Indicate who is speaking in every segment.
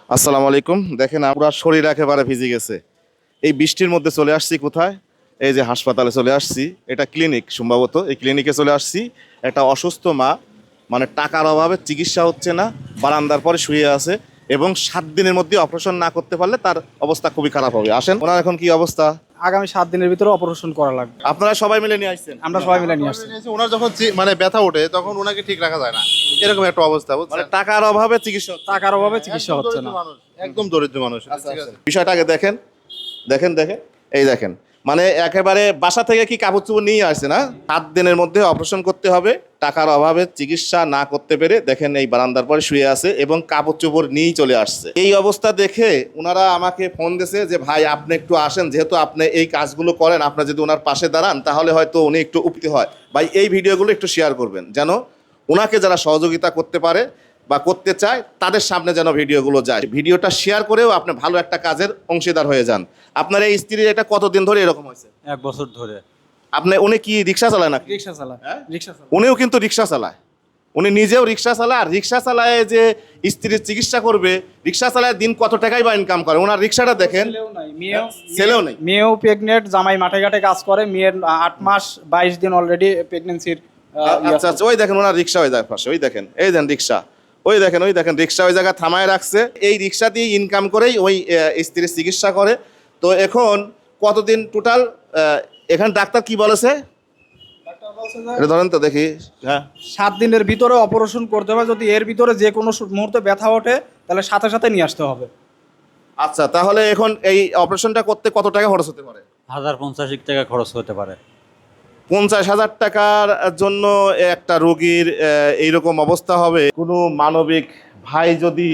Speaker 1: আসসালামু আলাইকুম। দেখেন পুরো শরীর একেবারে ভিজে গেছে। এই বৃষ্টির মধ্যে চলে আসছি কোথায়? এই যে হাসপাতালে চলে আসছি। এটা ক্লিনিক সম্ভবত। এই ক্লিনিকে চলে আসছি। একটা অসুস্থ মা, মানে টাকার অভাবে চিকিৎসা হচ্ছে না, বারান্দার পরে শুয়ে আছে এবং 7 দিনের মধ্যে অপারেশন না করতে পারলে তার অবস্থা খুবই খারাপ হবে। আসেন, ওনার এখন কি অবস্থা?
Speaker 2: আগামী 7 দিনের ভিতরে অপারেশন করা লাগবে।
Speaker 1: আপনারা সবাই মিলে নিয়ে আসছেন?
Speaker 2: আমরা সবাই মিলে নিয়ে আসছি।
Speaker 3: ওনার যখন মানে ব্যথা ওঠে তখন ওনাকে ঠিক রাখা যায় না, এরকম একটা অবস্থা
Speaker 1: মানে
Speaker 3: বুঝছেন?
Speaker 1: টাকার অভাবে চিকিৎসা হচ্ছে না।
Speaker 2: টাকার অভাবে চিকিৎসা হচ্ছে না।
Speaker 3: একদম দরিদ্র মানুষ।
Speaker 1: বিষয়টা আগে দেখেন, দেখেন দেখেন, এই দেখেন, মানে একেবারে বাসা থেকে কি কাপড় চোপড় নিয়ে আসছে না? 7 দিনের মধ্যে অপারেশন করতে হবে, টাকার অভাবে চিকিৎসা না করতে পেরে দেখেন এই বারান্দার পরে শুয়ে আছে এবং কাপড় চোপড় নিয়েই চলে আসছে। এই অবস্থা দেখে ওনারা আমাকে ফোন দিয়েছে যে ভাই আপনি একটু আসেন, যেহেতু আপনি এই কাজগুলো করেন, আপনার যদি ওনার পাশে দাঁড়ান তাহলে হয়তো উনি একটু উপকৃত হয়। ভাই এই ভিডিওগুলো একটু শেয়ার করবেন, যেন ওনাকে যারা সহযোগিতা করতে পারে বা করতে চায় তাদের সামনে যেন ভিডিওগুলো যায়। ভিডিওটা শেয়ার করেও আপনি ভালো একটা কাজের অংশীদার হয়ে যান। আপনার এই স্ত্রীর এটা কতদিন ধরে এরকম হয়েছে?
Speaker 4: 1 বছর ধরে।
Speaker 1: উনি কি রিক্সা চালায় নাকি?
Speaker 2: রিকশা চালায়।
Speaker 1: হ্যাঁ?
Speaker 2: রিকশা চালায়।
Speaker 1: উনিও কিন্তু রিক্সা চালায়, উনি নিজেও রিক্সা চালায়। আর রিক্সা চালায় যে স্ত্রীর চিকিৎসা করবে, রিক্সা চালায় দিন কত টাকাই বা ইনকাম করে। ওনার রিক্সাটা দেখেন,
Speaker 2: ছেলেও নাই, মেয়েও
Speaker 1: ছেলেও নেই।
Speaker 2: মেয়েও প্রেগনেন্ট, জামাই মাঠে ঘাটে কাজ করে। মেয়ের 8 মাস 22 দিন অলরেডি প্রেগন্যান্সির।
Speaker 1: আচ্ছা আচ্ছা, ওই দেখেন ওনার রিক্সা ওই পাশে, ওই দেখেন, এই দেন রিক্সা, ওই দেখেন, ওই দেখেন রিক্সা ওই জায়গায় থামায় রাখছে। এই রিক্সা দিয়ে ইনকাম করেই ওই স্ত্রীর চিকিৎসা করে। তো এখন কতদিন টোটাল? এখানে ডাক্তার কি বলেছে এটা ধরেন তো দেখি। হ্যাঁ,
Speaker 2: 7 দিনের ভিতরে অপারেশন করতে হবে। যদি এর ভিতরে যে কোনো মুহূর্তে ব্যথা ওঠে তাহলে সাথে সাথে নিয়ে আসতে হবে।
Speaker 1: আচ্ছা, তাহলে এখন এই অপারেশনটা করতে কত টাকা খরচ হতে পারে?
Speaker 4: 1050 টাকা খরচ হতে পারে।
Speaker 1: 50,000 টাকার জন্য একটা রোগীর এইরকম অবস্থা হবে। কোনো মানবিক ভাই যদি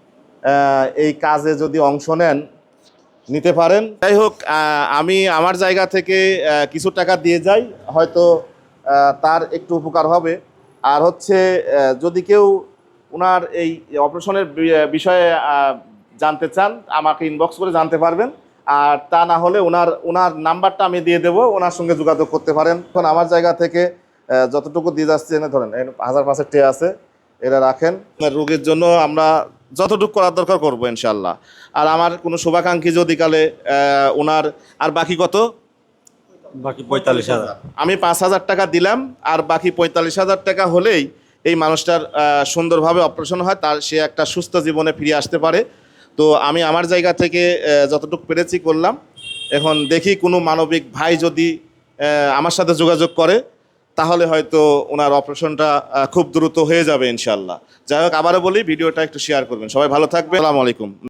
Speaker 1: এই কাজে যদি অংশ নেন, নিতে পারেন। যাই হোক, আমি আমার জায়গা থেকে কিছু টাকা দিয়ে যাই, হয়তো তার একটু উপকার হবে। আর হচ্ছে যদি কেউ ওনার এই অপারেশনের বিষয়ে জানতে চান, আমাকে ইনবক্স করে জানতে পারবেন। আর তা না হলে ওনার নাম্বারটা আমি দিয়ে দেবো, ওনার সঙ্গে যোগাযোগ করতে পারেন। এখন আমার জায়গা থেকে যতটুকু দিয়ে যাচ্ছে, এনে ধরেন 1000 টে আছে, এরা রাখেন। রোগীর জন্য আমরা যতটুকু করার দরকার করবো ইনশাল্লাহ। আর আমার কোনো শুভাকাঙ্ক্ষী যদি কালে ওনার আর বাকি কত,
Speaker 4: বাকি 45,000।
Speaker 1: আমি 5,000 টাকা দিলাম, আর বাকি 45,000 টাকা হলেই এই মানুষটার সুন্দরভাবে অপারেশন হয়, তার সে একটা সুস্থ জীবনে ফিরে আসতে পারে। তো আমি আমার জায়গা থেকে যতটুকু পেরেছি করলাম। এখন দেখি কোনো মানবিক ভাই যদি আমার সাথে যোগাযোগ করে, তাহলে হয়তো ওনার অপারেশনটা খুব দ্রুত হয়ে যাবে ইনশাল্লাহ। যাই হোক, আবারও বলি ভিডিওটা একটু শেয়ার করবেন। সবাই ভালো থাকবে। আসসালামু আলাইকুম।